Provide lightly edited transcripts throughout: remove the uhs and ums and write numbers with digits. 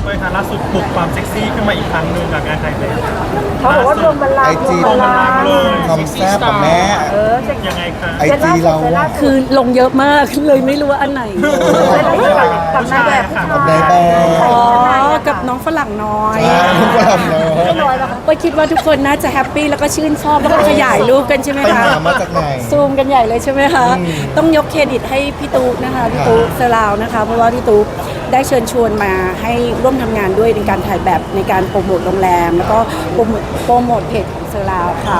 เว้ยค่ะล่าสุดปลุกความเซ็กซี่ขึ้นมาอีกครั้งหนึ่งกับงานถ่ายแบบเขาบอกว่ารวมบัลลังก์ IG รวมบัลลังก์เลยความแซ่บกับแม่จะยังไงคะไอจีเราอะคือลงเยอะมากเลยไม่รู้ว่าอันไหนกับนายแบบกับนายแบบอ๋อ กับน้องฝรั่งน้อยทุกคนทำเนาะน้อยแล้วค่ะไปคิดว่าทุกคนน่าจะแฮปปี้แล้วก็ชื่นชอบแล้วก็ขยายรูปกันใช่ไหมไปคะหามาจากไหนซูมกันใหญ่เลยใช่ไหมคะ ต้องยกเครดิตให้พี่ตุ๊กนะคะพี่ตุ๊กเซราวนะคะ เพราะว่าพี่ตุ๊กได้เชิญชวนมาให้ร่วมทำงานด้วยในการถ่ายแบบในการโปรโมทโรงแรม แล้วก็โปรโมทเพจของเซราวค่ะ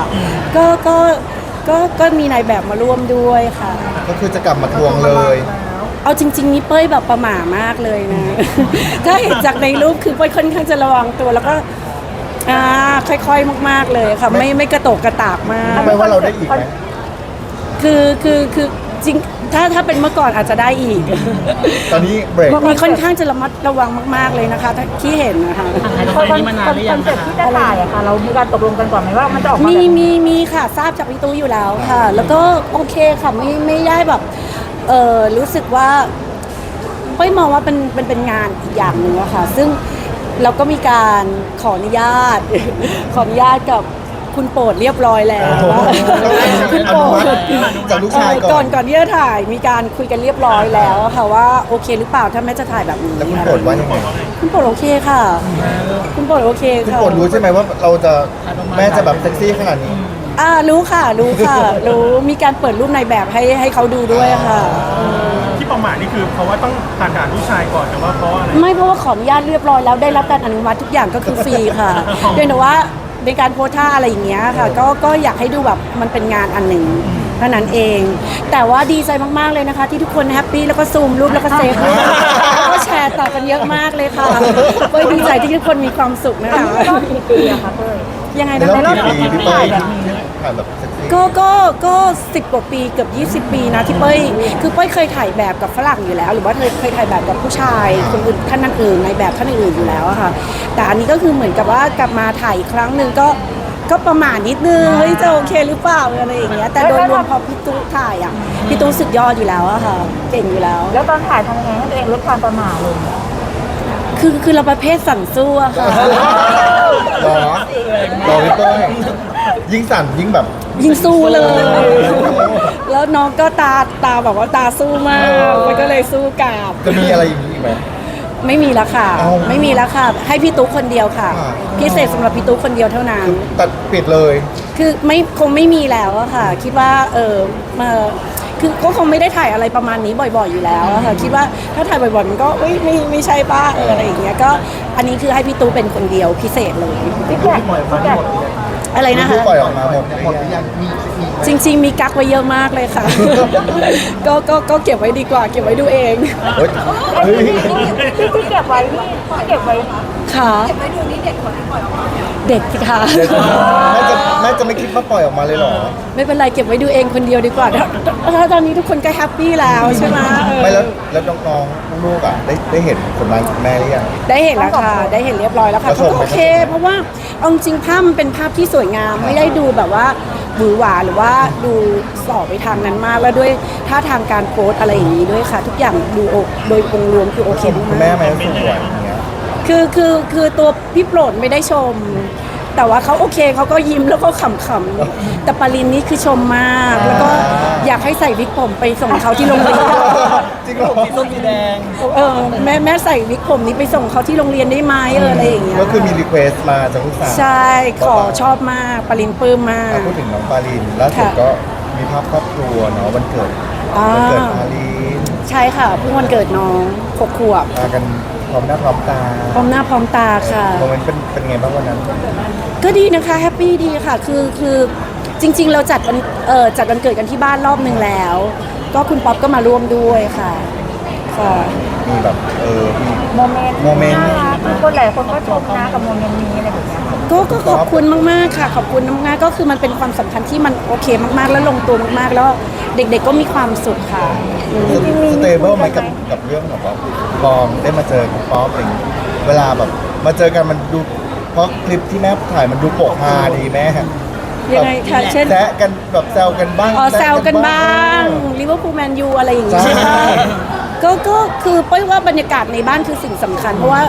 ก็มีนายแบบมาร่วมด้วยค่ะก็คือจะกลับมาทวงเลยเอาจริง ๆ นี่เป้ยแบบประหม่ามากเลยนะ ถ้าเห็นจากในรูปคือเป้ยค่อนข้างจะระวังตัวแล้วก็ค่อยๆมากๆเลยค่ะไม่กระโตกกระตากมากไม่ว่าเราได้อีกไหมคือจริงถ้าเป็นเมื่อก่อนอาจจะได้อีกตอนนี้เบรกมีค่อนข้างจะระมัดระวังมากๆเลยนะคะที่เห็นนะคะคอนเซ็ปต์ที่จะถ่ายอะค่ะ เรามีการตกลงกันก่อนไหมว่ามันจะออกมาแบบมีค่ะทราบจากพี่ตู้อยู่แล้วค่ะ แล้วก็โอเคค่ะไม่ได้แบบรู้สึกว่าเป้ยมองว่าเป็นงานอีกอย่างหนึ่งอะค่ะ ซึ่งเราก็มีการขออนุญาต ขออนุญาตกับคุณโปรดเรียบร้อยแล้ว คุณโปรดจากลูกชายก่อนก่อนที่จะถ่ายมีการคุยกันเรียบร้อยแล้วค่ะว่าโอเคหรือเปล่าถ้าแม่จะถ่ายแบบนี้แล้วคุณโปรดว่ายังไงคุณโปรดโอเคค่ะ คุณโปรดโอเคคุณค่ะโปรดรู้ใช่ไหมว่าเราจะแม่จะแบบเซ็กซี่ขนาดนี้รู้ค่ะรู้มีการเปิดรูปในแบบให้เขาดูด้วยค่ะที่ประมาทนี่คือเพราะว่าต้องผ่านด่านผู้ชายก่อนแต่ว่าเพราะอะไรไม่เพราะว่าขออนุญาตเรียบร้อยแล้วได้รับการอนุมัติทุกอย่างก็คือฟรีค่ะเพียงแต่ว่าในการโพสท่าอะไรอย่างเงี้ยค่ะก็อยากให้ดูแบบมันเป็นงานอันหนึ่งเท่านั้นเอง แต่ว่าดีใจมากๆเลยนะคะ ที่ทุกคนแฮปปี้แล้วก็ซูมรูปแล้วก็เซฟรูปแล้วก็แชร์ต่อกันเยอะมากเลยค่ะก็ดีใจที่ทุกคนมีความสุขนะคะกี่ปีอะคะเต้ยยังไงในนะรอบคะกี่ปีพี่เป้ยถ่ายแบบเซ็กซี่ก็10 กว่าปีเกือบ20 ปีนะที่เป้ยคือเป้ยเคยถ่ายแบบกับฝรั่งอยู่แล้ว หรือว่าเคยถ่ายแบบกับผู้ชายคนอื่นท่านอื่นในแบบท่านอื่นอยู่แล้วอะค่ะแต่อันนี้ก็คือเหมือนกับว่ากลับมาถ่ายอีกครั้งหนึ่งก็ประมาณนิดนึงเฮ้ยจะโอเคหรือเปล่าอะไรอย่างเงี้ยแต่โดยรวมพอพี่ตู้ถ่ายอ่ะพี่ตู้สุดยอดอยู่แล้วอะค่ะเก่งอยู่แล้วแล้วตอนถ่ายทำยังไงให้ตัวเองลดความประมาทลงคือเราประเภทสั่นสู้อะค่ะหรอพี่เป้ยยิ่งสั่นยิ่งแบบยิงสู้เลย แล้วน้องก็ตาแบบว่าตาสู้มากมันก็เลยสู้กลับจะมีอะไรอย่างนี้อีกไหมไม่มีแล้วค่ะเอ้าไม่มีแล้วค่ะ ให้พี่ตุ๊กคนเดียวค่ะอ่าพิเศษสำหรับพี่ตุ๊กคนเดียวเท่านั้นตัดปิดเลยคือคงไม่มีแล้วอะค่ะ คิดว่ามาคือก็คงไม่ได้ถ่ายอะไรประมาณนี้บ่อยๆอยู่แล้วอะค่ะ คิดว่าถ้าถ่ายบ่อยๆมันก็ไม่ใช่ป้าอะไรอย่างเงี้ยก็อันนี้คือให้พี่ตุ๊กเป็นคนเดียวพิเศษเลยพี่แกอะไรนะคะปล่อยออกมาหมดหรือยังจริง ๆ มีกักไว้เยอะมากเลยค่ะ ก็เก็บไว้ดีกว่า เก็บไว้ดูเองเฮ้ยเฮ้ยที่เก็บไว้นี่เก็บไว้ค่ะเด็กสิคะเดี๋ยวแม่จะไม่คิดว่าปล่อยออกมาเลยเหรอไม่เป็นไรเก็บไว้ดูเองคนเดียวดีกว่าถ้าตอนนี้ทุกคนก็แฮปปี้แล้วใช่ไหมไม่แล้วน้องๆลูกๆอ่ะได้เห็นผลงานของแม่หรือยังได้เห็นแล้วค่ะ ได้เห็นเรียบร้อยแล้วค่ะแล้วชเขามก็ไหมโอเค เพราะว่าเอาจริงๆภาพมันเป็นภาพที่สวยงาม ไม่ได้ดูแบบว่าหวือหวาหรือว่าดูส่อไปทางนั้นมากแล้วด้วยท่าทางการโพสอะไรอย่างนี้ด้วยค่ะ ทุกอย่างดูโดยองค์รวมคือโอเคคุณมาแม่กไหมสวยอย่างเงี้ยคือตัวพี่โปรดไม่ได้ชม แต่ว่าเขาโอเคเขาก็ยิ้มแล้วก็ขำๆแต่ปารินนี่คือชมมาก แล้วก็อยากให้ใส่วิกผมไปส่งเขาที่โรงเรียนจริงเหรอแม่ใส่วิกผมนี้ไปส่งเขาที่โรงเรียนได้ไหมอะไรอย่างเงี้ยก็คือมีรีเควสต์มาจากลูกสาวใช่ขอชอบมากปารินปลื้มมากพูดถึงน้องปาลินล่าสุดค่ะก็มีภาพครอบครัวเนาะวันเกิดอ่าวันเกิดปาลินใช่ค่ะเพิ่งวันเกิดน้อง6 ขวบมากันพร้อมหน้าพร้อมตาพร้อมหน้าพร้อมตาค่ะโมเมนต์เป็นไงบ้างวันนั้นก็ดีนะคะแฮปปี้ดีค่ะคือจริง ๆ เราจัดวันเกิดกันที่บ้านรอบนึงแล้ว ก็คุณป๊อปก็มาร่วมด้วยค่ะค่ะมีแบบมีโมเมนต์โมเมนต์น่ารักมีคนหลายคนก็ชมนะกับโมเมนต์นี้อะไรแบบเนี้ยค่ะก็ขอบคุณมากๆค่ะ ขอบคุณมากๆก็คือมันเป็นความสัมพันธ์ที่มันโอเคมากๆ แล้วลงตัวมากๆ แล้วเด็กๆก็มีความสุขค่ะอืมสเตเบิลไหมกับเรื่องแบบว่าบอมได้มาเจอกับป๊อปอะไรอย่างเงี้ยเวลาแบบมาเจอกันมันดูเพราะคลิปที่แม่ถ่ายมันดูโปกฮาดีแม่ยังไงคะเช่นแซะกันแบบแซวกันบ้างแซวกันบ้างลิเวอร์พูลแมนยูอะไรอย่างงี้ใช่ใช่ไหมก็คือเป้ยว่าบรรยากาศในบ้านคือสิ่งสำคัญ เพราะว่า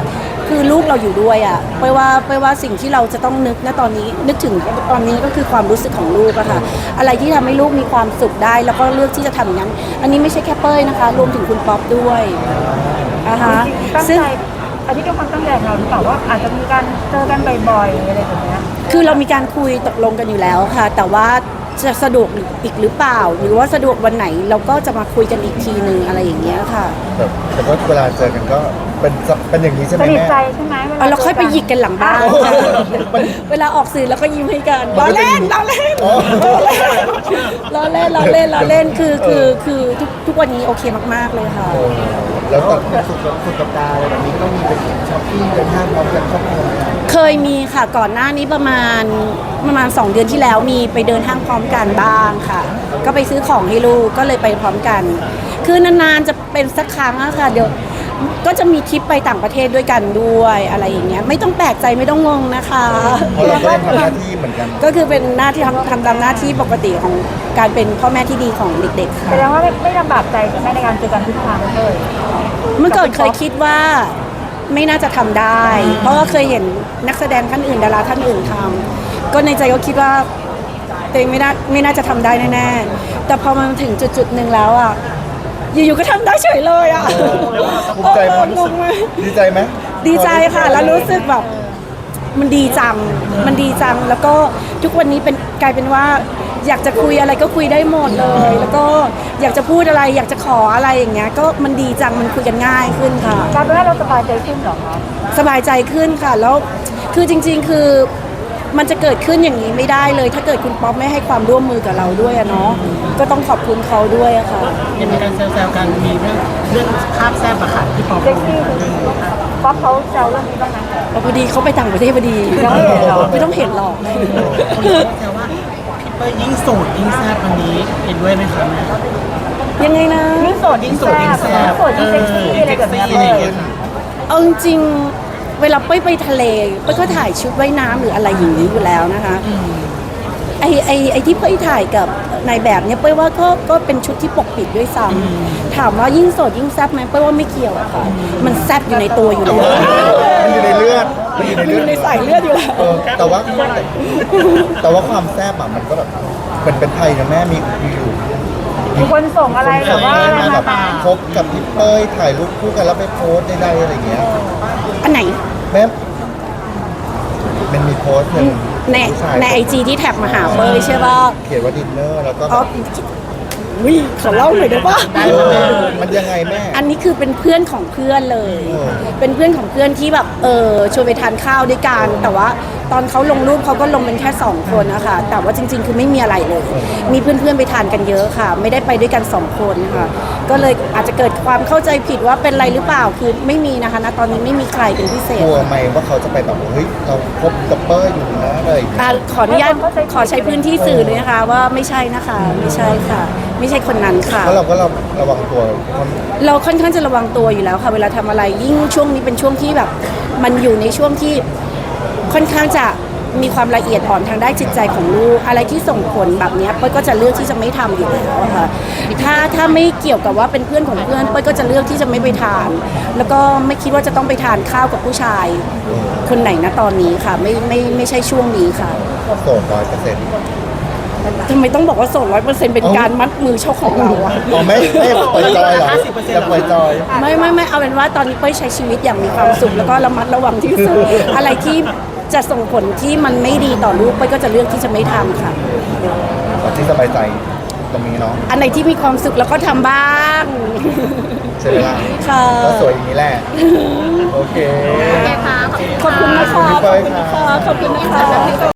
คือลูกเราอยู่ด้วยอ่ะเป้ยว่าสิ่งที่เราจะต้องนึกณตอนนี้นึกถึงตอนนี้ก็คือความรู้สึกของลูกอะค่ะอะไรที่ทำให้ลูกมีความสุขได้แล้วก็เลือกที่จะทำอย่างนั้นอันนี้ไม่ใช่แค่เป้ยนะคะรวมถึงคุณป๊อปด้วยฮะตั้งซึ่งใจอันนี้เป็นความตั้งใจของเราหรือเปล่าว่าอาจจะมีการเจอกันบ่อยๆอะไรแบบเนี้ยคือเรามีการคุยตกลงกันอยู่แล้วค่ะ แต่ว่าจะสะดวกอีกหรือเปล่า หรือว่าสะดวกวันไหนเราก็จะมาคุยกันอีกทีนึงอะไรอย่างเงี้ยค่ะแบบแต่ว่าเวลาเจอกันก็เป็นอย่างนี้ใช่ไหมสนิทแม่ใจใช่ไหมวลเอาเราค่อยไปหยิกกันหลังบ้านโอ้โหเวลาออกสื่อแล้วก็ยิ้มให้กันมัล้อนก็จะเล่นล้อเล่นอ๋อล้อเล่นล้อเล่นล้อเล่นคือทุกวันนี้โอเคมากๆเลยค่ะแล้วตอนสุดสัปดาห์อะไรแบบนี้ก็ต้องมีไปช้อปปิ้งเดินห้างพร้อมกันครอบครัวไหมครับเคยมีค่ะก่อนหน้านี้ประมาณ2 เดือนที่แล้วมีไปเดินห้างพร้อมกันบ้างค่ะ ก็ไปซื้อของให้ลูกก็เลยไปพร้อมกัน คือนานๆจะเป็นสักครั้งอะค่ะเดี๋ยวก็จะมีทริปไปต่างประเทศด้วยกันด้วยอะไรอย่างเงี้ยไม่ต้องแปลกใจไม่ต้องงงนะคะเพราะเราก็ยังทำหน้าที่เหมือนกันก็คือเป็นหน้าที่ทำตามหน้าที่ปกติของการเป็นพ่อแม่ที่ดีของเด็กๆค่ะแสดงว่าไม่ลำบากใจใช่ไหมในการเจอกันทุกครั้งเลยเมื่อก่อนเคยคิดว่าไม่น่าจะทำได้ เพราะว่าเคยเห็นนักแสดงท่านอื่นดาราท่านอื่นทำก็ในใจก็คิดว่าตัวเองไม่น่าจะทำได้แน่ๆแต่พอมันถึงจุดๆหนึ่งแล้วอ่ะอยู่ๆก็ทำได้เฉยเลยอ่ะภูมิใจไหมงงไหมดีใจไหมดีใจค่ะ แล้วรู้สึกแบบมันดีจังแล้วก็ทุกวันนี้กลายเป็นว่าอยากจะคุยอะไรก็คุยได้หมดเลย แล้วก็อยากจะพูดอะไรอยากจะขออะไรอย่างเงี้ยก็มันดีจังมันคุยกันง่ายขึ้นค่ะกลายเป็นว่าเราสบายใจขึ้นเหรอคะสบายใจขึ้นค่ะ แล้วคือจริงๆคือมันจะเกิดขึ้นอย่างนี้ไม่ได้เลย ถ้าเกิดคุณป๊อปไม่ให้ความร่วมมือกับเราด้วยอะเนาะก็ต้องขอบคุณเขาด้วยอะค่ะยังมีการแซวๆกันมีเรื่องภาพแซ่บอะค่ะที่ปอเซ็กซี่ป๊อปเขาแซวเรื่องนี้บ้างไหมพอดีเขาไปต่างประเทศพอดียังไม่เห็นหรอไม่ต้องเห็นหรอกคนก็แซวว่าพี่เป้ยยิ่งโสดยิ่งแซ่บวันนี้เห็นด้วยไหมคะแม่ยังไงนะยิ่งโสดยิ่งแซ่บยิ่งโสดยิ่งเซ็กซี่อะไรแบบเนี้ยอะไรอย่างเงี้ยค่ะเอาจริงๆเวลาเป้ยไปทะเลเป้ยก็ถ่ายชุดว่ายน้ำหรืออะไรอย่างนี้อยู่แล้วนะคะไอ้ที่เป้ยถ่ายกับนายแบบเนี่ยเป้ยว่าก็เป็นชุดที่ปกปิดด้วยซ้ำถามว่ายิ่งโสดยิ่งแซ่บไหมเป้ยว่าไม่เกี่ยวอะค่ะมันแซ่บอยู่ในตัวอยู่แล้วมันอยู่ในเลือดมันอยู่ในมันเลืออดยู่ในสายเลือดอยู่แล้วแต่ว่าความแซ่บอะมันก็แบบเป็นไทยนะแม่มีอยู่มีคนส่งอะไรแบบว่าอะไรมาแบบมาคบกับพี่เป้ยถ่ายรูปคู่กันแล้วไปโพสต์ได้อะไรอย่างเงี้ยอันไหนแม่มันมีโพสต์หนึ่งในผู้ชายในไอจีที่แท็กมาหาเป้ยใช่ป่ะเขียนว่าดินเนอร์แล้วก็อ๋อวิขอเล่าหน่อยได้ป่ะมันยังไงแม่อันนี้คือเป็นเพื่อนของเพื่อนเลยเออเป็นเพื่อนของเพื่อนที่แบบชวนไปทานข้าวด้วยกัน แต่ว่าตอนเขาลงรูปเขาก็ลงเป็นแค่2 คนนะคะแต่ว่าจริงๆ คือไม่มีอะไรเลย มีเพื่อนๆไปทานกันเยอะค่ะ ไม่ได้ไปด้วยกัน2 คนค่ะ ก็เลยอาจจะเกิดความเข้าใจผิดว่าเป็นอะไรหรือเปล่า คือไม่มีนะคะณตอนนี้ไม่มีใครเป็นพิเศษกลัวไหมว่าเขาจะไปแบบว่าเฮ้ยเราคบกับเป้ยอยู่นะอะไรอย่างเงี้ยขออนุญาตขอใช้พื้นที่สื่อเลยนะคะว่าไม่ใช่นะคะ ไม่ใช่ค่ะ ไม่ใช่คนนั้นค่ะเพราะเราก็ระวังตัวเราค่อนข้างจะระวังตัวอยู่แล้วค่ะ เวลาทำอะไรยิ่งช่วงนี้เป็นช่วงที่แบบ มันอยู่ในช่วงที่ค่อนข้างจะมีความละเอียดอ่อนทางด้านจิตใจของลูกอะไรที่ส่งผลแบบเนี้ยเป้ยก็จะเลือกที่จะไม่ทำอยู่แล้วอะค่ะถ้าไม่เกี่ยวกับว่าเป็นเพื่อนของเพื่อนเป้ยก็จะเลือกที่จะไม่ไปทาน แล้วก็ไม่คิดว่าจะต้องไปทานข้าวกับผู้ชายคนไหนนะตอนนี้ค่ะ ไม่ใช่ช่วงนี้ค่ะโสด100% ทำไมต้องบอกว่าโสด100%เป็นการมัดมือเช่าของเราอะอ๋อไม่ปล่อยจอยเหรอจะปล่อยจอยไม่เอาเป็นว่าตอนนี้เป้ยใช้ชีวิตอย่างมีความสุขแล้วก็ระมัดระวังที่สุด อะไรที่จะส่งผลที่มันไม่ดีต่อลูกเป้ยก็จะเลือกที่จะไม่ทำค่ะที่สบายใจตรงนี้เนาะอันไหนที่มีความสุขแล้วก็ทำบ้างใช่ไหมล่ะค่ะก็สวยอย่างนี้แหละ โอเคขอบคุณนะคะขอบคุณพี่เป้ยค่ะขอบคุณนะคะ